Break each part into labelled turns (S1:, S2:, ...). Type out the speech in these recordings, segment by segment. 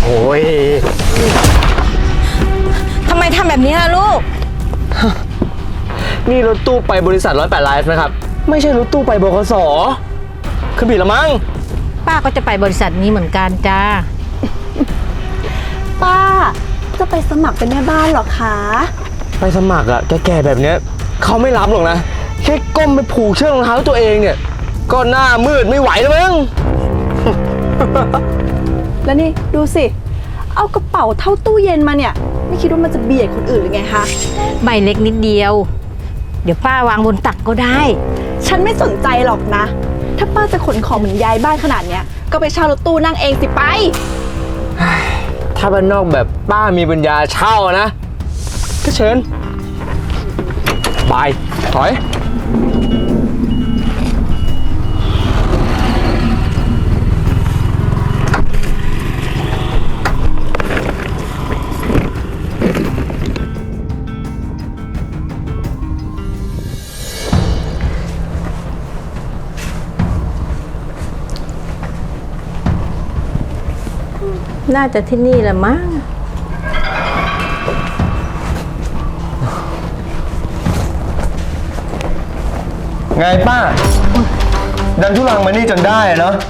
S1: ย
S2: ทำไมทำแบบนี้ล่ะลูก
S1: นี่รถตู้ไปบริษัท108 ไลฟ์นะครับ ไม่ใช่รถตู้ไปบขส.คือผิดละมั้ง
S2: ป้าก็จะไปบริษัทนี้เหมือนกันจ้า
S3: ป้าจะไปสมัครเป็นแม่บ้านเหรอคะ
S1: ไปสมัครอะแก่ๆแบบเนี้ยเขาไม่รับหรอกนะ แค่ก้มไปผูกเชือกรองเท้าตัวเองเนี่ย ก็หน้ามืดไม่ไหวแล้วมั้ง
S3: แล้วนี่ดูสิ เอากระเป๋าเท่าตู้เย็นมาเนี่ย ไม่คิดว่ามันจะเบียดคนอื่นหรือไงคะ
S2: ใบเล็กนิดเดียว เดี๋ยวป้าวางบนตักก็ได้
S3: ฉันไม่สนใจหรอกนะ ถ้าป้าจะขนของเหมือนยายบ้านขนาดเนี้ยก็ไปเช่ารถตู้นั่งเองสิไป
S1: ถ้าบ้านนอกแบบป้ามีปัญญาเช่านะ ก็เชิญบายถอย
S2: น่าจะที่นี่แหละมั้ง
S1: ไงป้า ดันทุลังมานี่จนได้เนาะ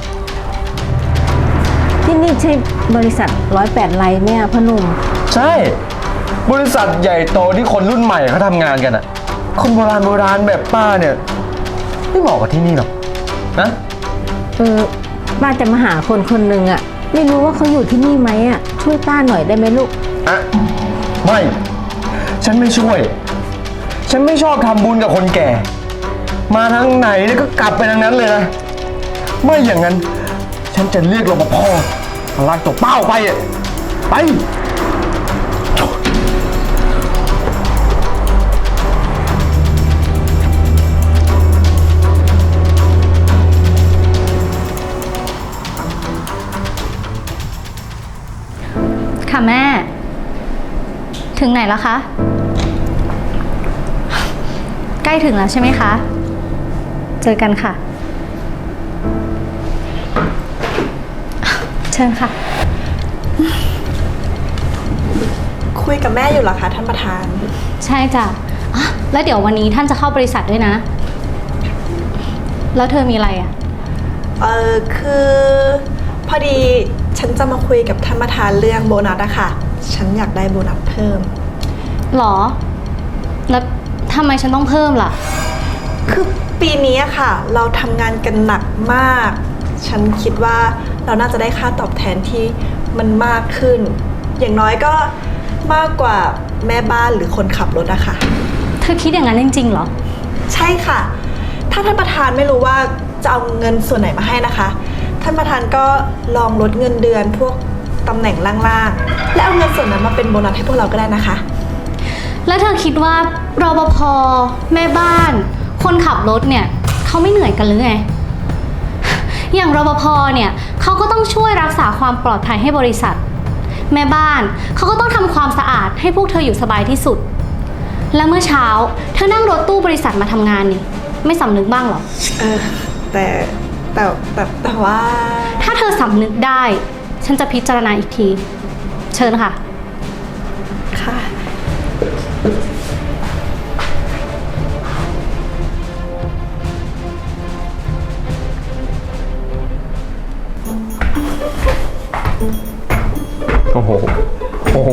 S2: ที่นี่ใช่บริษัท108 ไลฟ์ไหมอะพ่อหนุ่ม
S1: ใช่ บริษัทใหญ่โตที่คนรุ่นใหม่เขาทำงานกันอะคนโบราณแบบป้าเนี่ย ไม่เหมาะกับที่นี่หรอกนะ
S2: ป้าจะมาหาคนคนหนึ่งอะไม่รู้ว่าเขาอยู่ที่นี่ไหมอะช่วยป้าหน่อยได้ไหมลูก
S1: อะไม่ ฉันไม่ช่วย ฉันไม่ชอบทำบุญกับคนแก่ มาทางไหนเนี่ยก็กลับไปทางนั้นเลยนะ ไม่อย่างนั้น ฉันจะเรียกรปภมาลากตัวเป้าไปอ่ะไป
S4: ค่ะแม่ ถึงไหนแล้วคะ ใกล้ถึงแล้วใช่ไหมคะ เจอกันค่ะ เชิญค่ะ
S3: คุยกับแม่อยู่เหรอคะท่านประธาน
S4: ใช่จ้ะอ่ะแล้วเดี๋ยววันนี้ท่านจะเข้าบริษัทด้วยนะ แล้วเธอมีอะไรอ่ะ
S5: คือพอดีฉันจะมาคุยกับท่านประธานเรื่องโบนัสอะค่ะ ฉันอยากได้โบนัสเพิ่ม
S4: หรอ แล้วทำไมฉันต้องเพิ่มล่ะ
S5: คือปีนี้อะค่ะ เราทำงานกันหนักมาก ฉันคิดว่าเราน่าจะได้ค่าตอบแทนที่มันมากขึ้น อย่างน้อยก็มากกว่าแม่บ้านหรือคนขับรถอะค่ะ
S4: เธอคิดอย่างนั้นจริงๆเหรอ
S5: ใช่ค่ะ ถ้าท่านประธานไม่รู้ว่าจะเอาเงินส่วนไหนมาให้นะคะ ท่านประธานก็ลองลดเงินเดือนพวกตำแหน่งล่างๆ และเอาเงินส่วนนั้นมาเป็นโบนัสให้พวกเราก็ได้นะคะ
S4: แล้วเธอคิดว่ารปภแม่บ้าน คนขับรถเนี่ยเขาไม่เหนื่อยกันหรือไง อย่างรปภเนี่ยเขาก็ต้องช่วยรักษาความปลอดภัยให้บริษัท แม่บ้านเขาก็ต้องทำความสะอาดให้พวกเธออยู่สบายที่สุด และเมื่อเช้าเธอนั่งรถตู้บริษัทมาทำงานนี่ไม่สำนึกบ้างเหรอ
S5: แต่ว่า
S4: ถ้าเธอสำนึกได้ ฉันจะพิจารณาอีกที เชิญค่ะ
S5: ค่ะ
S1: โอ้โห โอ้โห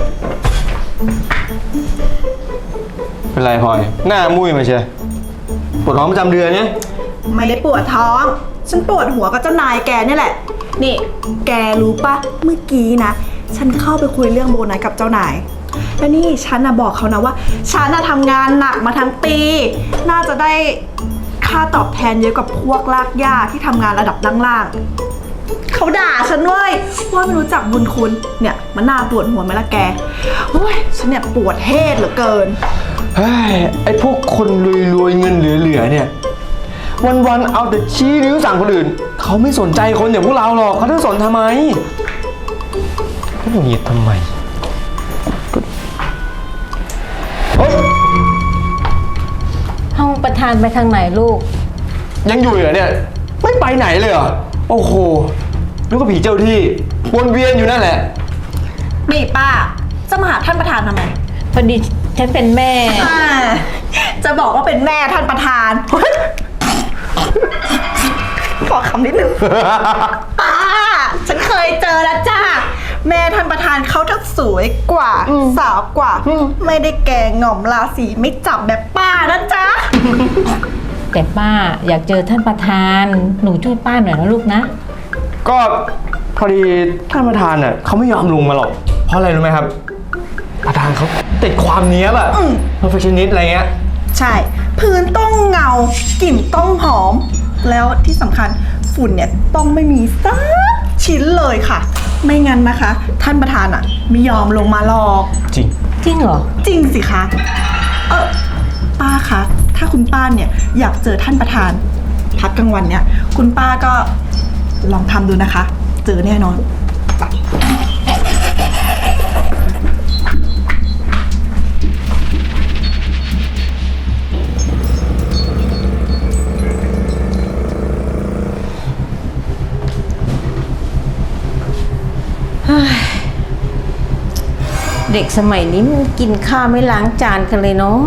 S1: เป็นไรพลอย หน้ามุ้ยมาเชียปวดท้องประจำเดือนเนี่ย
S3: ไม่ได้ปวดท้อง ฉันปวดหัวกับเจ้านายแกนี่แหละ นี่ แกรู้ปะเมื่อกี้นะ ฉันเข้าไปคุยเรื่องโบนัสกับเจ้านาย แล้วนี่ฉันนะบอกเขานะว่า ฉันนะทำงานหนักมาทั้งปี น่าจะได้ค่าตอบแทนเยอะกว่าพวกลากหญ้าที่ทำงานระดับล่างๆเขาด่าฉันเว้ยว่าไม่รู้จักบุญคุณ เนี่ยมันน่าปวดหัวไหมล่ะแกโอ้ยฉันเนี่ยปวดเทศเหลือเกิน
S1: เฮ้ย ไอ้พวกคนรวยๆเงินเหลือๆเนี่ย วันๆเอาแต่ชี้นิ้วสั่งคนอื่น เขาไม่สนใจคนอย่างพวกเราหรอก เขาจะสนทำไมเขาหงุดหงิดทำไมเฮ้ย
S2: ห้องประธานไปทางไหนลูก
S1: ยังอยู่เหรอเนี่ย ไม่ไปไหนเลยเหรอ โอ้โหแล้วก็ผีเจ้าที่วนเวียนอยู่นั่นแหละ
S3: นี่ป้า จะมาหาท่านประธานทำไม
S2: พอดีฉันเป็นแม่
S3: จะบอกว่าเป็นแม่ท่านประธาน ขอคำนิดนึง ป้า ฉันเคยเจอแล้วจ้า แม่ท่านประธานเขาทั้งสวยกว่า สาวกว่า ไม่ได้แก่หง่อมราศีไม่จับแบบป้านะจ๊ะ
S2: แต่ป้าอยากเจอท่านประธาน หนูช่วยป้าหน่อยนะลูกนะ
S1: ก็พอดีท่านประธานน่ะเขาไม่ยอมลงมาหรอก เพราะอะไรรู้ไหมครับ ประธานเขาติดความเนี้ยบอะ perfectionist อะไรเงี้ย
S3: ใช่ พื้นต้องเงากลิ่นต้องหอม แล้วที่สำคัญฝุ่นเนี่ยต้องไม่มีสักชิ้นเลยค่ะ ไม่งั้นนะคะ ท่านประธานอ่ะไม่ยอมลงมาหรอก
S1: จริง
S2: จริงเหรอ
S3: จริงสิคะป้าคะถ้าคุณป้าเนี่ยอยากเจอท่านประธาน พักกลางวันเนี่ย คุณป้าก็ลองทำดูนะคะ เจอแน่นอน
S2: เด็กสมัยนี้มันกินข้าวไม่ล้างจานกันเลยเนาะ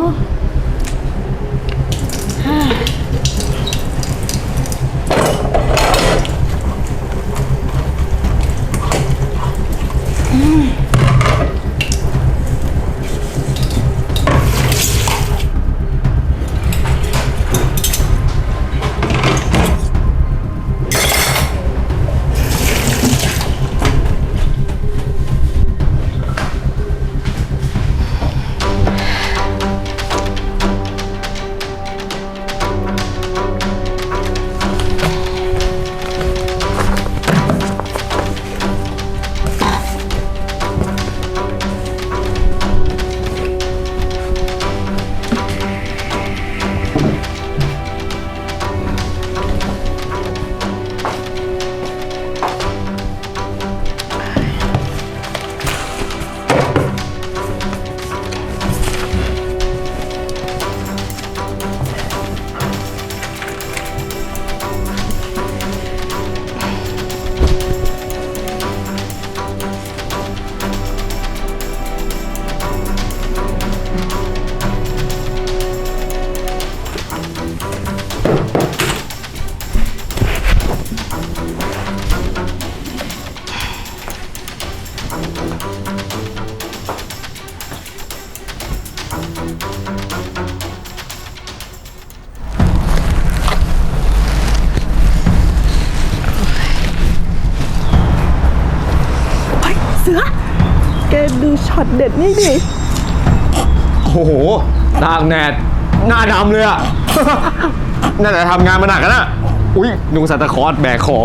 S3: เสือ แกดูช็อตเด็ดนี่ดิ
S1: โอ้โหตากแดดหน้าดำเลยอะ นั่นแหละทำงานมาหนักนะอุ้ยนุงซานตาคลอสแบกของ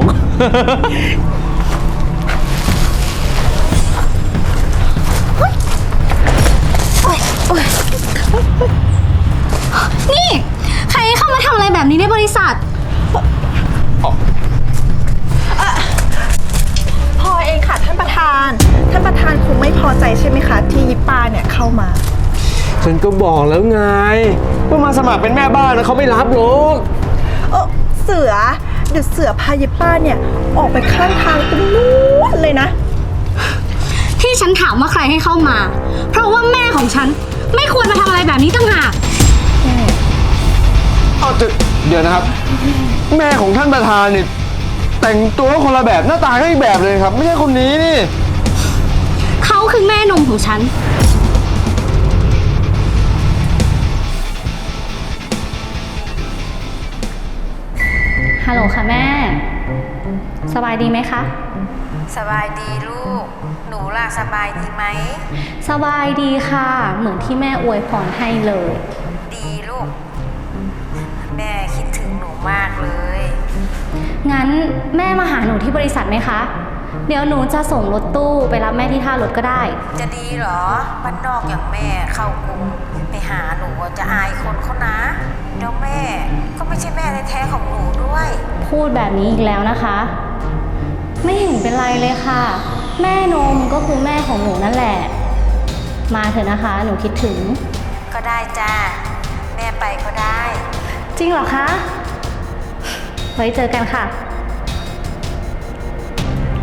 S4: นี่ใครเข้ามาทำอะไรแบบนี้ในบริษัท
S3: พอเองค่ะท่านประธาน ท่านประธานคงไม่พอใจใช่ไหมคะ ที่ยิปป้าเนี่ยเข้ามา
S1: ฉันก็บอกแล้วไงว่ามาสมัครเป็นแม่บ้านนะเขาไม่รับหรอก
S3: เสือ เดี๋ยวเสือพายิปป้าเนี่ยออกไปข้างทางตรงนู้นเลยนะ
S4: ที่ฉันถามว่าใครให้เข้ามา เพราะว่าแม่ของฉันไม่ควรมาทำอะไรแบบนี้ต่างหาก
S1: เอาเดี๋ยวนะครับ แม่ของท่านประธานนี่แต่งตัวคนละแบบหน้าตาก็อีกแบบเลยครับ ไม่ใช่คนนี้นี่
S4: เขาคือแม่นมของฉัน ฮัลโหลค่ะแม่ สบายดีไหมคะ
S2: สบายดีลูก หนูล่ะสบายดีไหม
S4: สบายดีค่ะ เหมือนที่แม่อวยพรให้เลย
S2: ดีลูก แม่คิดถึงหนูมากเลย
S4: งั้นแม่มาหาหนูที่บริษัทไหมคะ เดี๋ยวหนูจะส่งรถตู้ไปรับแม่ที่ท่ารถก็ได้
S2: จะดีเหรอบ้านนอกอย่างแม่เข้ากรุงไปหาหนูจะอายคนเขานะเดี๋ยวแม่ก็ไม่ใช่แม่แท้ๆของหนูด้วย
S4: พูดแบบนี้อีกแล้วนะคะ ไม่เห็นเป็นไรเลยค่ะ แม่นมก็คือแม่ของหนูนั่นแหละ มาเถอะนะคะ หนูคิดถึง
S2: ก็ได้จ้าแม่ไปก็ได้
S4: จริงเหรอคะ ไว้เจอกันค่ะ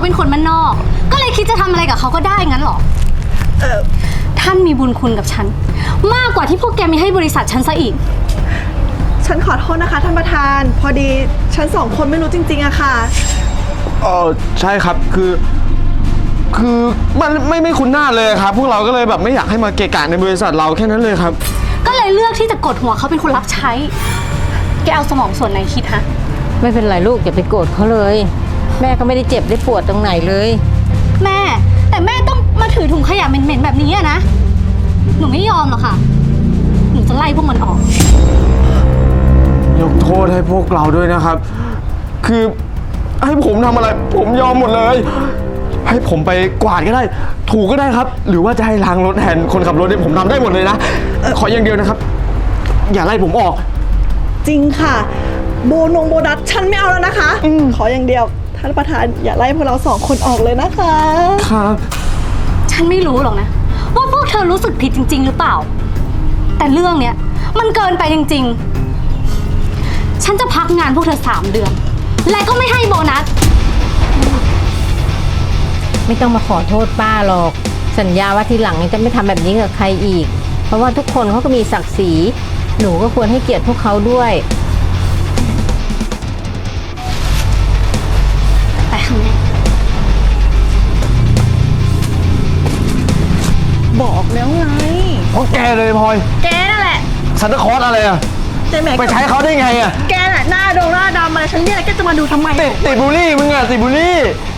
S4: เป็นคนบ้านนอก ก็เลยคิดจะทำอะไรกับเขาก็ได้งั้นเหรอ ท่านมีบุญคุณกับฉัน มากกว่าที่พวกแกมีให้บริษัทฉันซะอีก
S3: ฉันขอโทษนะคะท่านประธาน พอดีฉันสองคนไม่รู้จริงๆอะค่ะ
S1: ใช่ครับคือมันไม่คุ้นหน้าเลยครับ พวกเราก็เลยแบบไม่อยากให้มาเกะกะในบริษัทเราแค่นั้นเลยครับ
S4: ก็เลยเลือกที่จะกดหัวเขาเป็นคนรับใช้ แกเอาสมองส่วนไหนคิดฮะ
S6: ไม่เป็นไรลูกอย่าไปโกรธเขาเลย แม่ก็ไม่ได้เจ็บได้ปวดตรงไหนเลย
S4: แม่ แต่แม่ต้องมาถือถุงขยะเหม็นๆแบบนี้อะนะ หนูไม่ยอมหรอกค่ะ หนูจะไล่พวกมันออก
S1: ยกโทษให้พวกเราด้วยนะครับ คือให้ผมทำอะไร ผมยอมหมดเลย ให้ผมไปกวาดก็ได้ ถูก็ได้ครับ หรือว่าจะให้ล้างรถแทนคนขับรถเนี่ยผมทำได้หมดเลยนะ ขออย่างเดียวนะครับ อย่าไล่ผมออก
S3: จริงค่ะ โบนัสฉันไม่เอาแล้วนะคะ ขออย่างเดียวท่านประธานอย่าไล่พวกเราสองคนออกเลยนะคะ
S1: ครับ
S4: ฉันไม่รู้หรอกนะ ว่าพวกเธอรู้สึกผิดจริง ๆ หรือเปล่า แต่เรื่องเนี้ยมันเกินไปจริง ๆ ฉันจะพักงานพวกเธอ3 เดือน และก็ไม่ให้โบนัส
S6: ไม่ต้องมาขอโทษป้าหรอก สัญญาว่าทีหลังจะไม่ทำแบบนี้กับใครอีก เพราะว่าทุกคนเขาก็มีศักดิ์ศรีหนูก็ควรให้เกียรติพวกเขาด้วย
S4: ไปข้างใน
S3: บอกแล้วไง
S1: เพราะแกเลยพลอย
S3: แกนั่นแหละ
S1: ซันตาคลอสอะไรอะ
S3: เจ๊แม็ก
S1: ไปใช้เขาได้ไงอะ
S3: แกน่ะหน้าดำอะไรฉันเรียกแกจะมาดูทำไม
S1: ติดบุหรี่มึงอะติดบุหรี่